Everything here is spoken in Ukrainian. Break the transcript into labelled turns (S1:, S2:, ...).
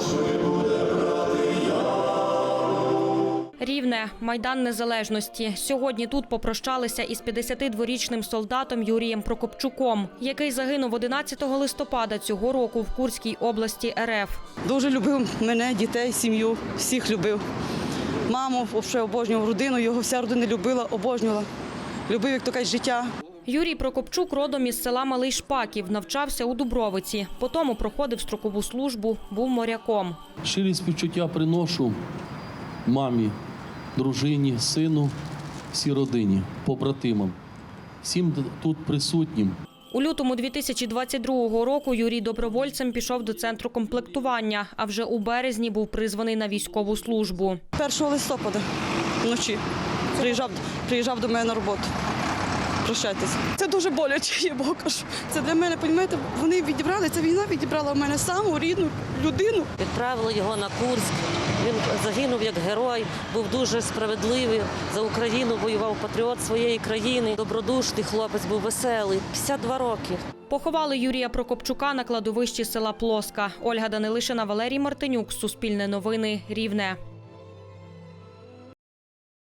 S1: Рівне – Майдан Незалежності. Сьогодні тут попрощалися із 52-річним солдатом Юрієм Прокопчуком, який загинув 11 листопада цього року в Курській області РФ.
S2: Дуже любив мене, дітей, сім'ю, всіх любив. Маму взагалі обожнював, родину, його вся родина любила, обожнювала. Любив, як то кажуть, життя.
S1: Юрій Прокопчук родом із села Малий Шпаків, навчався у Дубровиці. Потім проходив строкову службу, був моряком.
S3: Щирі співчуття приношу мамі, дружині, сину, всій родині, побратимам, всім тут присутнім.
S1: У лютому 2022 року Юрій добровольцем пішов до центру комплектування, а вже у березні був призваний на військову службу.
S2: 1 листопада вночі приїжджав до мене на роботу. Прощайтеся. Це дуже боляче, я Богу кажу. Це для мене, розумієте, вони відібрали, ця війна відібрала в мене саму рідну людину.
S4: Відправили його на Курськ, він загинув як герой, був дуже справедливий, за Україну воював, патріот своєї країни, добродушний хлопець, був веселий, 52 роки.
S1: Поховали Юрія Прокопчука на кладовищі села Плоска. Ольга Данилишина, Валерій Мартинюк, Суспільне новини, Рівне.